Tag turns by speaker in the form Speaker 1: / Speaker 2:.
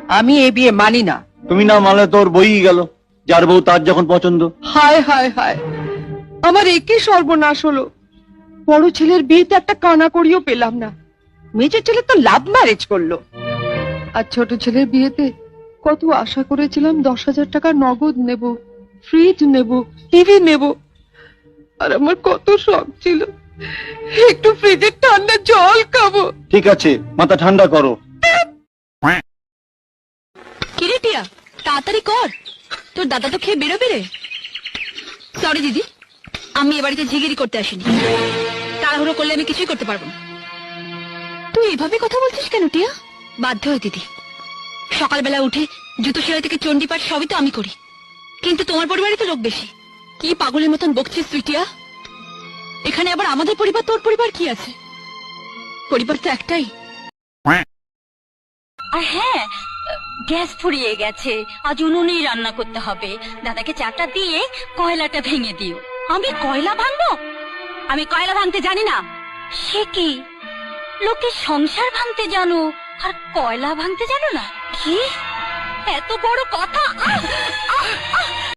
Speaker 1: আমি এই বিয়ে মানি না।
Speaker 2: তুমি না মানলে তোর বই গেল, যার বউ তার যখন পছন্দ।
Speaker 1: হায় হায় হায়, আমার একই সর্বনাশ হলো। বড় ছেলের বিয়েতে একটা কানা করিও পেলাম না, মেজর ছেলে তো লাভ ম্যারেজ করলো। আর ছোট ছেলের বিয়েতে কত আশা করেছিলাম, 10,000 টাকা নগদ নেব, ফ্রিজ নেব, টিভি নেব। আর আমার কত শখ ছিল একটু ফ্রিজের ঠান্ডা জল খাবো।
Speaker 2: ঠিক আছে, মাথা ঠান্ডা করো।
Speaker 3: কিরে টিয়া, তাড়াতাড়ি কর, তোর দাদা তো খেয়ে বেরোবে রে। সরি দিদি, আমি এ বাড়িতে ঝিগিরি করতে আসিনি। তাড়াহুড়ো করলে আমি কিছুই করতে পারবো না। তুই এভাবে কথা বলছিস কেন টিয়া? বাধ্য হয়ে দিদি, সকালবেলা উঠে জুতো সেলাই থেকে চণ্ডীপাঠ সবই তো আমি করি, কিন্তু তোমার পরিবারে তো লোক বেশি। কি পাগলের মতন বকছিস তুই টিয়া? এখানে আবার আমাদের পরিবার তোর পরিবার কি আছে? পরিবার তো একটাই।
Speaker 4: আর হ্যাঁ, গ্যাস ফুরিয়ে গেছে, আজ উনুনেই রান্না করতে হবে। দাদাকে চাটা দিয়ে কয়লাটা ভেঙে দিও। আমি কয়লা ভাঙবো? আমি কয়লা ভাঙতে জানি না। সে কি, লোকে সংসার ভাঙতে জানো আর কয়লা ভাঙতে জানো না? কি এত বড় কথা!